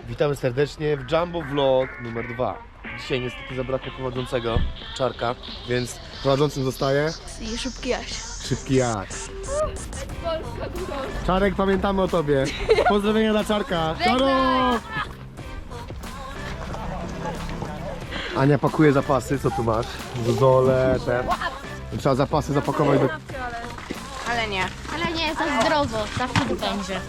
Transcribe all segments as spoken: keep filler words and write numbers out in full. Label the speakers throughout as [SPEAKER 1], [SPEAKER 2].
[SPEAKER 1] Witamy serdecznie w Jumbo Vlog numer dwa. Dzisiaj niestety zabrakło prowadzącego, Czarka, więc prowadzącym zostaje
[SPEAKER 2] I szybki Jaś.
[SPEAKER 1] Szybki Jaś. Czarek, pamiętamy o tobie. Pozdrowienia dla Czarka. Czarek! Ania pakuje zapasy, co tu masz? Dole, ten. Trzeba zapasy zapakować do...
[SPEAKER 2] Ale nie.
[SPEAKER 3] Ale nie, za zdrowo, zawsze to będzie.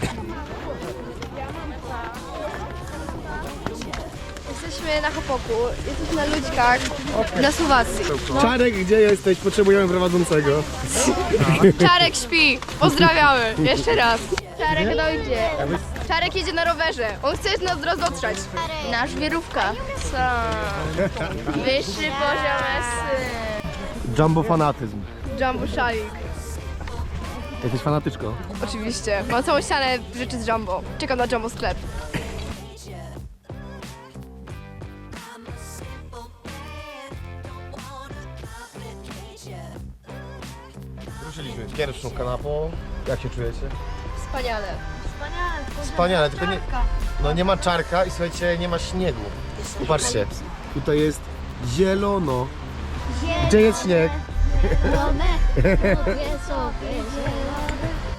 [SPEAKER 2] Jesteśmy na Hopoku, jesteśmy na Ludźkach, na Słowacji.
[SPEAKER 1] Czarek, gdzie jesteś? Potrzebujemy prowadzącego.
[SPEAKER 2] Czarek śpi, pozdrawiamy, jeszcze raz. Czarek dojdzie. Czarek jedzie na rowerze, on chce nas teraz dotrzeć. Nasz wierówka. Co? Wyższy poziom jest...
[SPEAKER 1] Jumbo fanatyzm.
[SPEAKER 2] Jumbo szalik.
[SPEAKER 1] Jesteś fanatyczką?
[SPEAKER 2] Oczywiście, mam całą ścianę rzeczy z Jumbo. Czekam na Jumbo sklep.
[SPEAKER 1] Ruszyliśmy pierwszą kanapą. Jak się czujecie?
[SPEAKER 2] Wspaniale.
[SPEAKER 1] Wspaniale, tylko nie, no nie ma Czarka i słuchajcie, nie ma śniegu. Popatrzcie, tutaj jest zielono. Gdzie jest śnieg?
[SPEAKER 3] Zielone, robię sobie zielone.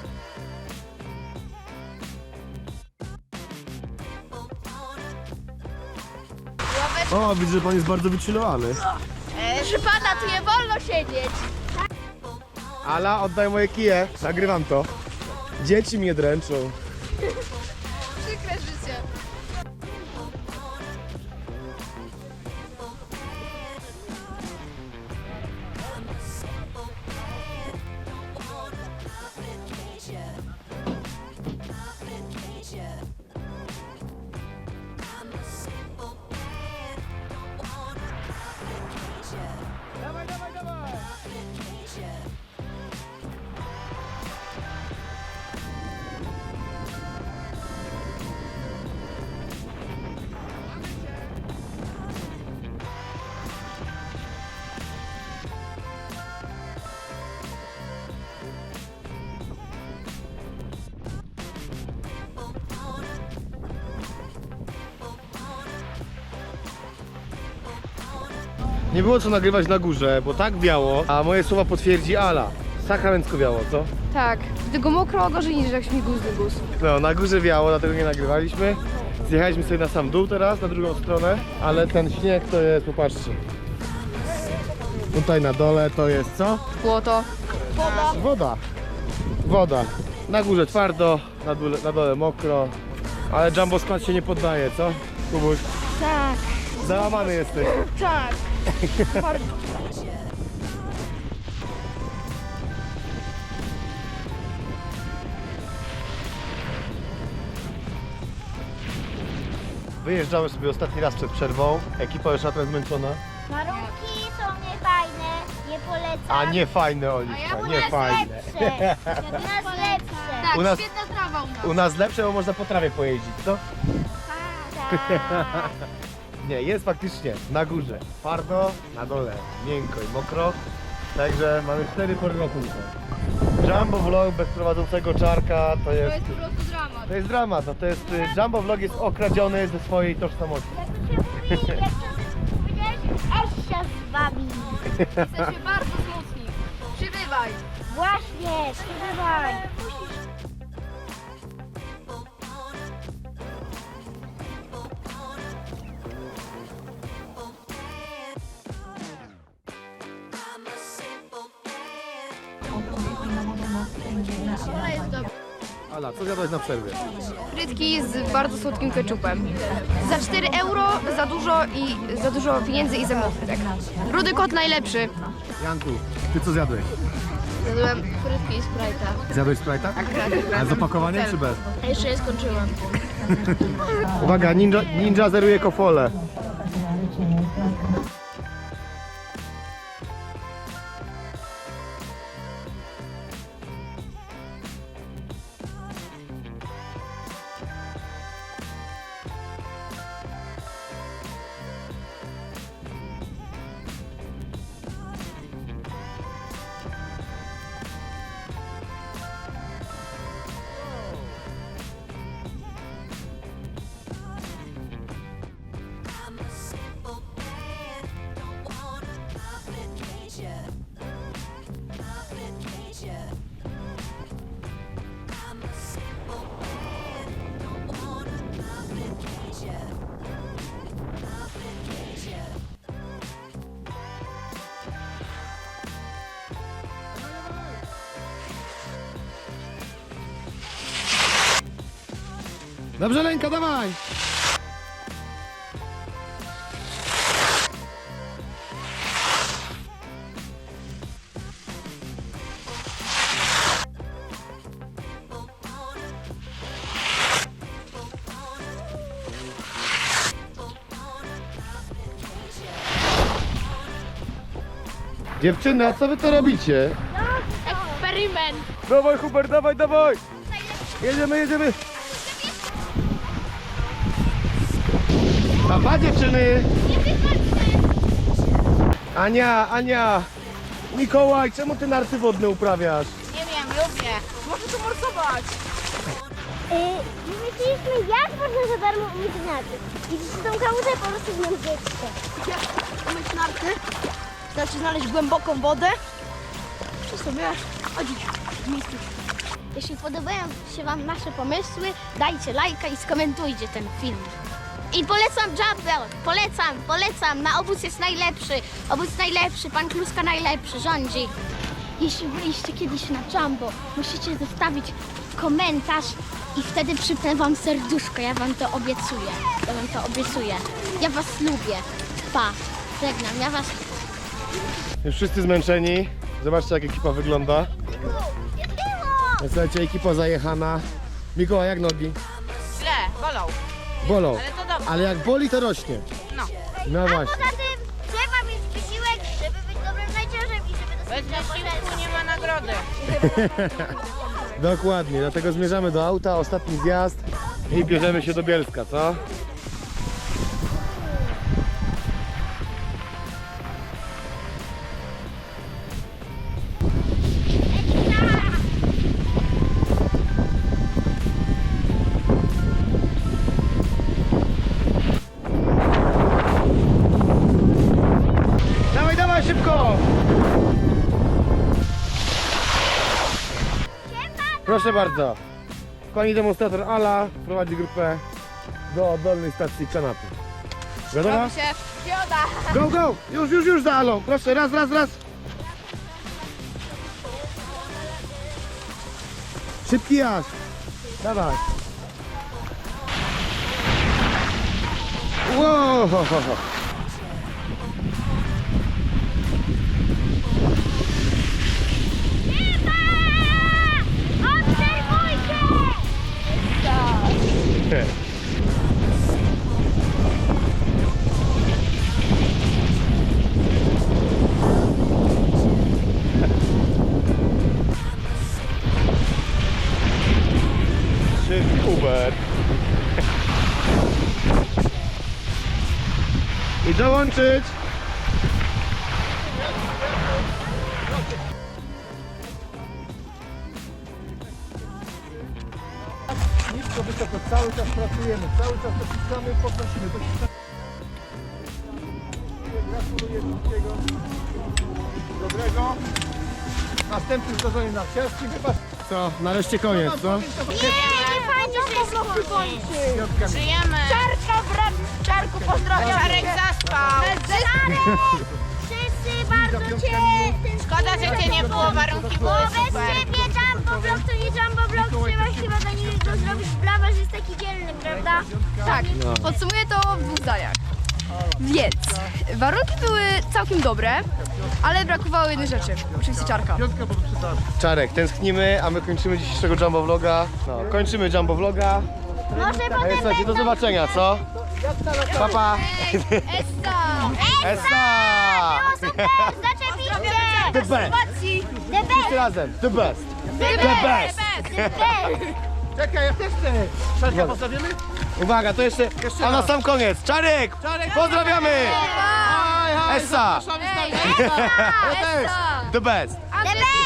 [SPEAKER 1] O, widzę, że pan jest bardzo wychillowany.
[SPEAKER 2] Proszę pana, tu nie wolno siedzieć.
[SPEAKER 1] Ala, oddaj moje kije. Nagrywam to. Dzieci mnie dręczą.
[SPEAKER 2] Przykre życie.
[SPEAKER 1] Nie było co nagrywać na górze, bo tak biało, a moje słowa potwierdzi Ala. Sakramencko biało, co?
[SPEAKER 2] Tak, tylko mokro gorzej niż jak śmigus dygus.
[SPEAKER 1] No, na górze biało, dlatego nie nagrywaliśmy. Zjechaliśmy sobie na sam dół teraz, na drugą stronę, ale ten śnieg to jest, popatrzcie. Tutaj na dole to jest co?
[SPEAKER 2] Błoto. Woda.
[SPEAKER 1] Woda. Woda. Na górze twardo, na dole, na dole mokro, ale Jumbo skład się nie poddaje, co? Kubuś,
[SPEAKER 2] Tak,
[SPEAKER 1] załamany jesteś.
[SPEAKER 2] tak. Bardzo.
[SPEAKER 1] Wyjeżdżamy sobie ostatni raz przed przerwą. Ekipa już na trochę zmęczona.
[SPEAKER 3] Warunki są niefajne, nie polecam.
[SPEAKER 1] A nie fajne, Oliwka, nie fajne.
[SPEAKER 3] Lepsze. U nas lepsze.
[SPEAKER 2] Tak,
[SPEAKER 1] U nas-
[SPEAKER 2] świetna trawa u nas.
[SPEAKER 1] U nas lepsze, bo można po trawie pojeździć, co?
[SPEAKER 3] Tak.
[SPEAKER 1] Nie, jest faktycznie na górze twardo, na dole miękko i mokro. Także mamy cztery pory roku dzisiaj. Jumbo Vlog bez prowadzącego Czarka to
[SPEAKER 2] To
[SPEAKER 1] jest...
[SPEAKER 2] jest po prostu dramat.
[SPEAKER 1] To jest dramat, no to jest... y, Jumbo Vlog jest okradziony ze swojej tożsamości.
[SPEAKER 3] Jak to się mówi, jak to powiedziałeś, Esia z wami.
[SPEAKER 2] Jesteśmy bardzo smutni. Przybywaj.
[SPEAKER 3] Właśnie, przybywaj.
[SPEAKER 2] Ona jest dobra.
[SPEAKER 1] Ala, co zjadłaś na przerwie?
[SPEAKER 2] Frytki z bardzo słodkim keczupem. Za cztery euro za dużo i za dużo pieniędzy i za mało frytek. Rudy kot najlepszy.
[SPEAKER 1] Janku, ty co zjadłeś?
[SPEAKER 2] Zjadłem frytki i Sprite'a.
[SPEAKER 1] Zjadłeś Sprite'a? A z opakowaniem czy bez?
[SPEAKER 2] A jeszcze je skończyłam.
[SPEAKER 1] Uwaga, ninja, ninja zeruje kofole. Dobrze, Lenka, dawaj! Dziewczyny, a co wy to robicie?
[SPEAKER 2] Eksperyment.
[SPEAKER 1] Dawaj, Hubert, dawaj, dawaj! Jedziemy, jedziemy! Papa, dziewczyny! Ania, Ania! Mikołaj, czemu ty narty wodne uprawiasz?
[SPEAKER 2] Nie wiem, lubię. Może to morsować.
[SPEAKER 3] Yy, myśleliśmy, jak można za darmo umyć narty. I przy tą kałutę po prostu w nią dziecko.
[SPEAKER 2] Umyć narty. Znaczy znaleźć głęboką wodę. Czy sobie chodzić w miejscu.
[SPEAKER 3] Jeśli podobają się Wam nasze pomysły, dajcie lajka i skomentujcie ten film. I polecam Jumbo, polecam, polecam, na obóz jest najlepszy, obóz najlepszy, pan Kluska najlepszy, rządzi. Jeśli byliście kiedyś na Jumbo, musicie zostawić komentarz i wtedy przypnę Wam serduszko, ja Wam to obiecuję, ja Wam to obiecuję. Ja Was lubię, pa, żegnam, ja Was...
[SPEAKER 1] Już wszyscy zmęczeni. Zobaczcie, jak ekipa wygląda. Słuchajcie, ekipa zajechana. Mikołaj, jak nogi?
[SPEAKER 2] Źle, bolą.
[SPEAKER 1] Bolą.
[SPEAKER 2] Ale to dobrze.
[SPEAKER 1] Ale jak boli, to rośnie.
[SPEAKER 2] No.
[SPEAKER 1] No właśnie.
[SPEAKER 3] Poza tym trzeba mieć wysiłek, żeby być dobrym najcięższym i żeby
[SPEAKER 2] Bez
[SPEAKER 3] dostać
[SPEAKER 2] wysiłku nie ma nagrody.
[SPEAKER 1] Dokładnie, dlatego zmierzamy do auta, ostatni zjazd i bierzemy się do Bielska, co? Dawaj, dawaj, szybko! Proszę bardzo. Pani demonstrator Ala prowadzi grupę do dolnej stacji kanapy. Gotowa?
[SPEAKER 2] Robi się wioda.
[SPEAKER 1] Go, go! Już, już, już za Alą. Proszę, raz, raz, raz. Szybki jaż. Dawaj. Wow. Szybki Uber. I dołączyć. Nisko, wysoko, cały czas pracujemy, cały czas dociskamy, podnosimy. Dociskamy. Gratuluję wszystkiego dobrego. Następnym sezonie narciarskim chyba. Co? Nareszcie koniec, co?
[SPEAKER 3] Nie, nie fajnie, że jest kończy.
[SPEAKER 2] Żyjemy. Czarka, brat, Czarku, pozdrawiam. Czarek zaspał.
[SPEAKER 3] Czarek! Wszyscy bardzo Cię...
[SPEAKER 2] Szkoda, że Cię nie było, warunki były
[SPEAKER 3] Bo bez
[SPEAKER 2] super.
[SPEAKER 3] Ciebie Jumbo Vlog to nie Jumbo Vlog, trzeba chyba do niego zrobić brawa, że jest taki dzielny, prawda?
[SPEAKER 2] Tak, podsumuję to w dwóch zdaniach. Więc warunki były całkiem dobre, ale brakowało jednej rzeczy. Oczywiście Czarka.
[SPEAKER 1] Czarek, tęsknimy, a my kończymy dzisiejszego Jumbo Vloga. No, kończymy Jumbo Vloga.
[SPEAKER 3] Może
[SPEAKER 1] Ej,
[SPEAKER 3] potem
[SPEAKER 1] słuchajcie, do
[SPEAKER 3] będą...
[SPEAKER 1] zobaczenia, co? Pa, pa.
[SPEAKER 2] Esta!
[SPEAKER 1] Esa!
[SPEAKER 3] Było super, zaczepiście!
[SPEAKER 1] The best!
[SPEAKER 3] The best!
[SPEAKER 1] Wszyscy razem, the best! The best!
[SPEAKER 3] The best!
[SPEAKER 1] Czekaj, ja też chcę! Czarka pozdrawiamy? Uwaga, to jeszcze, a na sam koniec. Czarek! Pozdrawiamy! Esa!
[SPEAKER 2] Ej,
[SPEAKER 1] Ja też! The best!
[SPEAKER 3] The best!